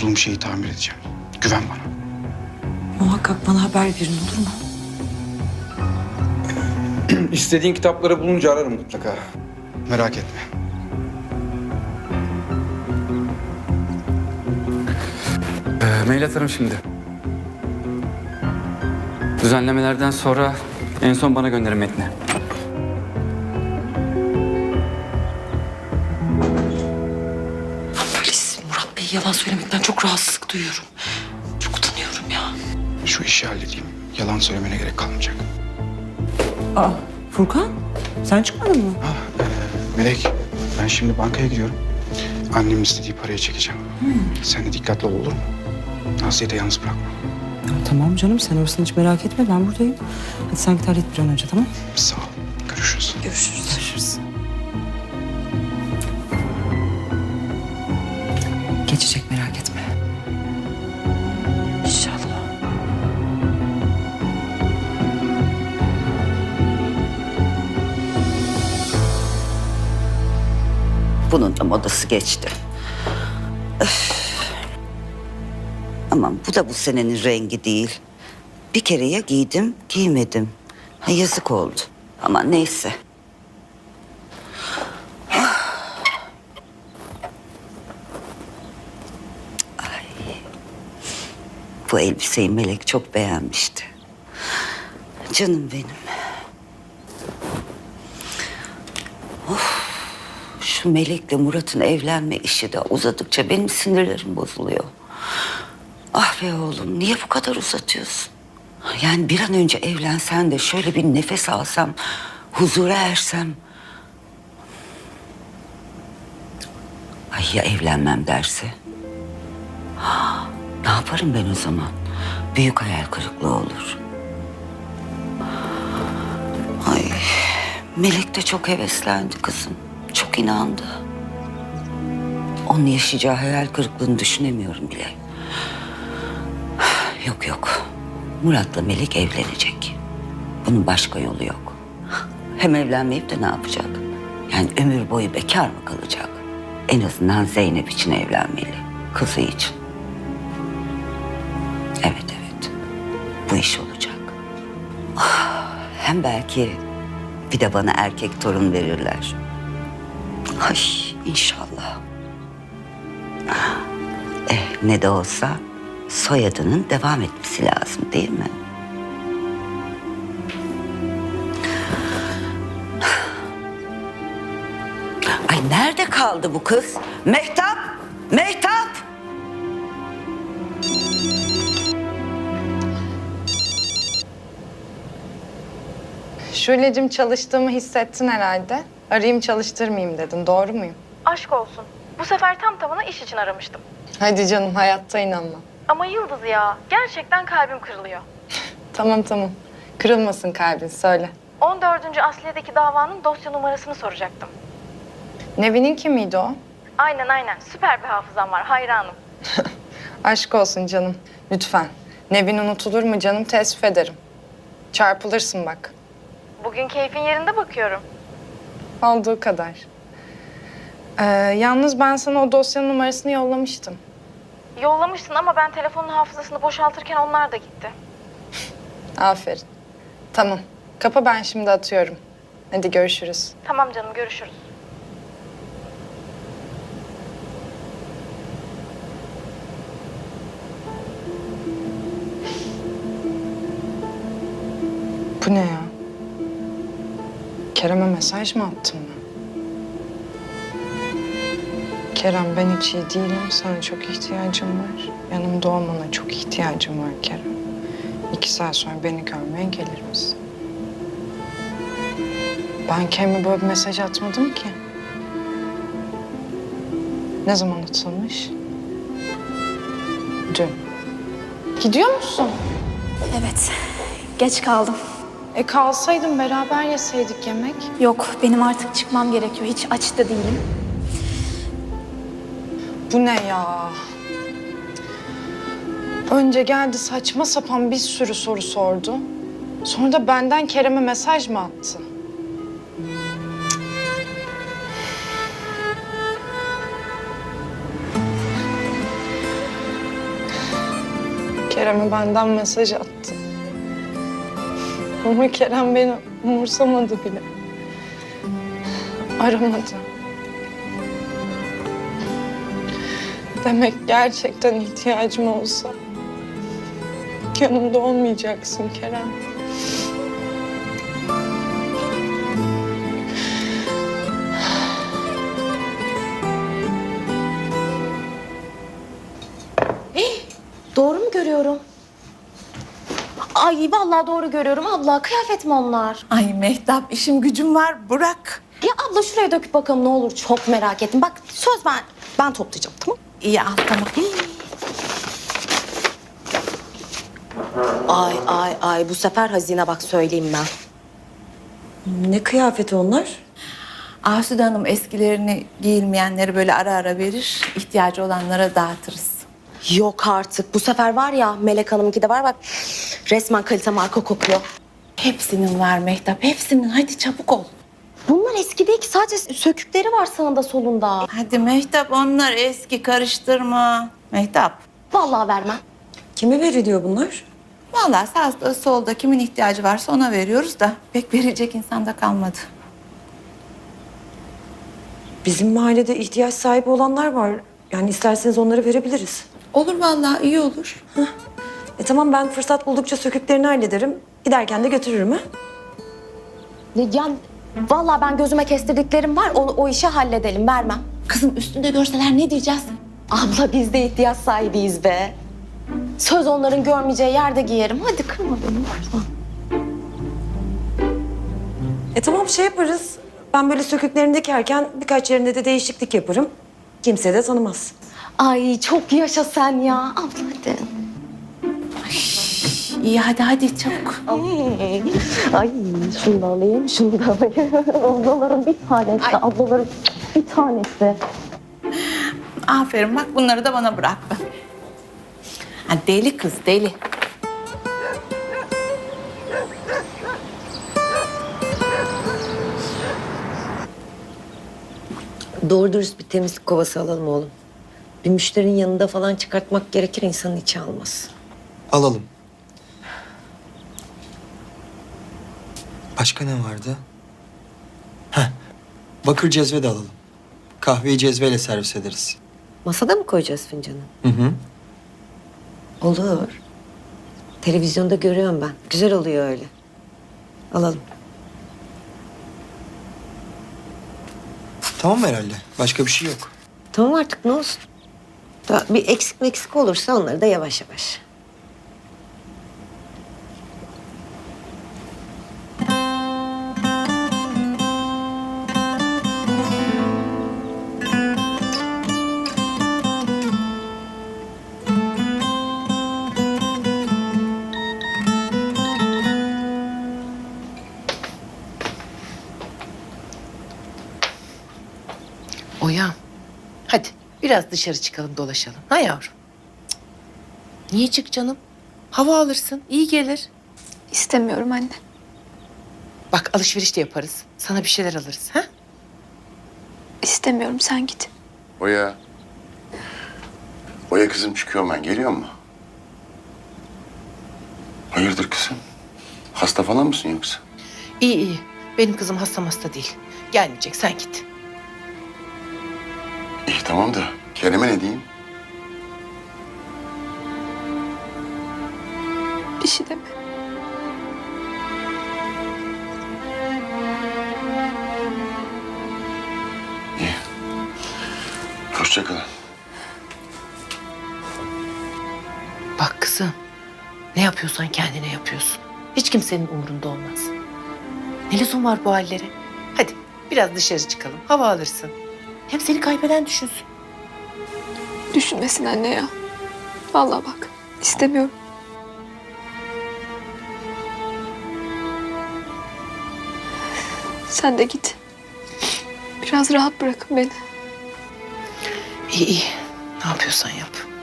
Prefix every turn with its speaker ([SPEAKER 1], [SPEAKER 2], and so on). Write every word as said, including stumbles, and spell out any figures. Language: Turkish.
[SPEAKER 1] bozduğum şeyi tamir edeceğim. Güven bana.
[SPEAKER 2] Muhakkak bana haber verin, olur mu?
[SPEAKER 1] İstediğin kitapları bulunca ararım mutlaka. Merak etme.
[SPEAKER 3] Ee, mail atarım şimdi. Düzenlemelerden sonra en son bana gönderin metni.
[SPEAKER 2] Polis, Murat Bey yalan söylemekten çok rahatsızlık duyuyorum. Çok utanıyorum ya.
[SPEAKER 1] Şu işi halledeyim. Yalan söylemene gerek kalmayacak.
[SPEAKER 2] Aa, Furkan, sen çıkmadın mı?
[SPEAKER 1] Ha, e, Melek, ben şimdi bankaya gidiyorum. Annemin istediği parayı çekeceğim. Sen de dikkatli ol, olur mu? Asiye'yi de yalnız bırakma.
[SPEAKER 2] Ya, tamam canım, sen orasını hiç merak etme, ben buradayım. Hadi sen git hallet bir an önce, tamam?
[SPEAKER 1] Sağ ol. Görüşürüz.
[SPEAKER 2] Görüşürüz. Görüşürüz. Geçecek, merak etme. İnşallah.
[SPEAKER 4] Bunun da modası geçti. Öf. Aman bu da bu senenin rengi değil. Bir kere ya giydim, giymedim. Ha, yazık oldu. Ama neyse. Ay. Bu elbiseyi Melek çok beğenmişti. Canım benim. Şu Melek'le Murat'ın evlenme işi de uzadıkça benim sinirlerim bozuluyor. Ah be oğlum, niye bu kadar uzatıyorsun? Yani bir an önce evlensen de şöyle bir nefes alsam, huzura ersem. Ay ya evlenmem derse? Ha, ne yaparım ben o zaman? Büyük hayal kırıklığı olur. Ay, Melek de çok heveslendi kızım. Çok inandı. Onun yaşayacağı hayal kırıklığını düşünemiyorum bile. Yok yok. Murat'la Melek evlenecek. Bunun başka yolu yok. Hem evlenmeyip de ne yapacak? Yani ömür boyu bekar mı kalacak? En azından Zeynep için evlenmeli. Kızı için. Evet evet. Bu iş olacak. Ah, hem belki bir de bana erkek torun verirler. Ay inşallah. Eh ne de olsa soyadının devam etmesi lazım değil mi? Ay nerede kaldı bu kız? Mehtap! Mehtap!
[SPEAKER 5] Şule'cim çalıştığımı hissettin herhalde. Arayayım çalıştırmayayım dedin. Doğru muyum?
[SPEAKER 6] Aşk olsun. Bu sefer tam tamına iş için aramıştım.
[SPEAKER 5] Hadi canım hayatta inanmam.
[SPEAKER 6] Ama Yıldız ya, gerçekten kalbim kırılıyor.
[SPEAKER 5] Tamam tamam. Kırılmasın kalbin söyle.
[SPEAKER 6] on dördüncü Asliye'deki davanın dosya numarasını soracaktım.
[SPEAKER 5] Nevin'in kimiydi o?
[SPEAKER 6] Aynen aynen. Süper bir hafızam var. Hayranım.
[SPEAKER 5] Aşk olsun canım. Lütfen. Nevin unutulur mu canım, teessüf ederim. Çarpılırsın bak.
[SPEAKER 6] Bugün keyfin yerinde bakıyorum.
[SPEAKER 5] Olduğu kadar. Ee, yalnız ben sana o dosyanın numarasını yollamıştım.
[SPEAKER 6] Yollamışsın ama ben telefonun hafızasını boşaltırken onlar da gitti.
[SPEAKER 5] Aferin. Tamam. Kapa, ben şimdi atıyorum. Hadi görüşürüz.
[SPEAKER 6] Tamam canım, görüşürüz.
[SPEAKER 5] Bu ne ya? Kerem'e mesaj mı attım ben? Kerem ben hiç iyi değilim. Sana çok ihtiyacım var. Yanımda olmana çok ihtiyacım var Kerem. İki saat sonra beni görmeye gelir misin? Ben kendime böyle bir mesaj atmadım ki. Ne zaman atılmış? Dün. Gidiyor musun?
[SPEAKER 7] Evet, geç kaldım.
[SPEAKER 5] E kalsaydın beraber yeseydik yemek.
[SPEAKER 7] Yok, benim artık çıkmam gerekiyor. Hiç aç da değilim.
[SPEAKER 5] Bu ne ya? Önce geldi saçma sapan bir sürü soru sordu. Sonra da benden Kerem'e mesaj mı attı? Kerem'e benden mesaj attı. Ama Kerem beni umursamadı bile. Aramadı. Demek gerçekten ihtiyacım olsa yanımda olmayacaksın Kerem.
[SPEAKER 8] Doğru mu görüyorum? Ay vallahi doğru görüyorum abla. Kıyafet mi onlar?
[SPEAKER 9] Ay Mehtap işim gücüm var bırak.
[SPEAKER 8] Ya abla şuraya döküp bakalım ne olur. Çok merak ettim. Bak söz ben ben toplayacağım tamam?
[SPEAKER 9] İyi al tamam.
[SPEAKER 8] Ay ay ay bu sefer hazine bak söyleyeyim ben.
[SPEAKER 2] Ne kıyafeti onlar?
[SPEAKER 9] Asude Hanım eskilerini giyilmeyenleri böyle ara ara verir. İhtiyacı olanlara dağıtırız.
[SPEAKER 8] Yok artık. Bu sefer var ya Melek Hanım'ınki de var bak. Resmen kalite marka kokuyor.
[SPEAKER 9] Hepsinin var Mehtap hepsinin hadi çabuk ol.
[SPEAKER 8] Bunlar eski değil ki sadece sökükleri var sağında solunda.
[SPEAKER 9] Hadi Mehtap onlar eski karıştırma. Mehtap.
[SPEAKER 8] Vallahi vermem.
[SPEAKER 2] Kime veriliyor bunlar?
[SPEAKER 9] Vallahi sağda solda kimin ihtiyacı varsa ona veriyoruz da pek verecek insan da kalmadı.
[SPEAKER 2] Bizim mahallede ihtiyaç sahibi olanlar var. Yani isterseniz onları verebiliriz.
[SPEAKER 9] Olur vallahi iyi olur.
[SPEAKER 2] E tamam, ben fırsat buldukça söküklerini hallederim. Giderken de götürürüm ha.
[SPEAKER 8] Ya vallahi ben gözüme kestirdiklerim var. O, o işi halledelim vermem.
[SPEAKER 9] Kızım üstünde görseler ne diyeceğiz?
[SPEAKER 8] Abla biz de ihtiyaç sahibiyiz be. Söz onların görmeyeceği yerde giyerim. Hadi kırma beni lütfen.
[SPEAKER 2] E tamam, şey yaparız. Ben böyle söküklerini dikerken birkaç yerinde de değişiklik yaparım. Kimse de tanımaz.
[SPEAKER 8] Ay çok yaşa sen ya. Abla hadi.
[SPEAKER 9] İyi hadi hadi çabuk.
[SPEAKER 8] Ay şunu da alayım, şunu da alayım. Ablaların bir tanesi,
[SPEAKER 9] Ay.
[SPEAKER 8] ablaların bir tanesi.
[SPEAKER 9] Aferin bak bunları da bana bıraktı. Ha, deli kız deli.
[SPEAKER 10] Doğru dürüst bir temizlik kovası alalım oğlum. Bir müşterinin yanında falan çıkartmak gerekir, insanın içi almaz.
[SPEAKER 11] Alalım. Başka ne vardı? Heh, bakır cezve de alalım. Kahveyi cezveyle servis ederiz.
[SPEAKER 10] Masada mı koyacağız fincanı?
[SPEAKER 11] Hı hı.
[SPEAKER 10] Olur. Televizyonda görüyorum ben. Güzel oluyor öyle. Alalım.
[SPEAKER 11] Tamam herhalde. Başka bir şey yok.
[SPEAKER 10] Tamam artık, ne olsun. Daha bir eksik meksik olursa onları da yavaş yavaş.
[SPEAKER 12] Oya, hadi biraz dışarı çıkalım dolaşalım. Ha yavrum? Cık. Niye çık canım? Hava alırsın, iyi gelir.
[SPEAKER 7] İstemiyorum anne.
[SPEAKER 12] Bak alışveriş de yaparız. Sana bir şeyler alırız. Ha?
[SPEAKER 7] İstemiyorum, sen git.
[SPEAKER 13] Oya. Oya kızım, çıkıyorum ben. Geliyor mu? Hayırdır kızım? Hasta falan mısın yoksa?
[SPEAKER 12] İyi iyi. Benim kızım hasta hasta değil. Gelmeyecek, sen git.
[SPEAKER 13] İyi tamam da Kerem'e ne diyeyim?
[SPEAKER 7] Bir şey deme.
[SPEAKER 13] İyi. Hoşça kalın.
[SPEAKER 12] Bak kızım, ne yapıyorsan kendine yapıyorsun. Hiç kimsenin umurunda olmaz. Ne lüzum var bu hallere? Hadi biraz dışarı çıkalım, hava alırsın. Hem seni kaybeden düşünsün.
[SPEAKER 7] Düşünmesin anne ya. Vallahi bak, istemiyorum. Sen de git. Biraz rahat bırakın beni.
[SPEAKER 12] İyi iyi, ne yapıyorsan yap.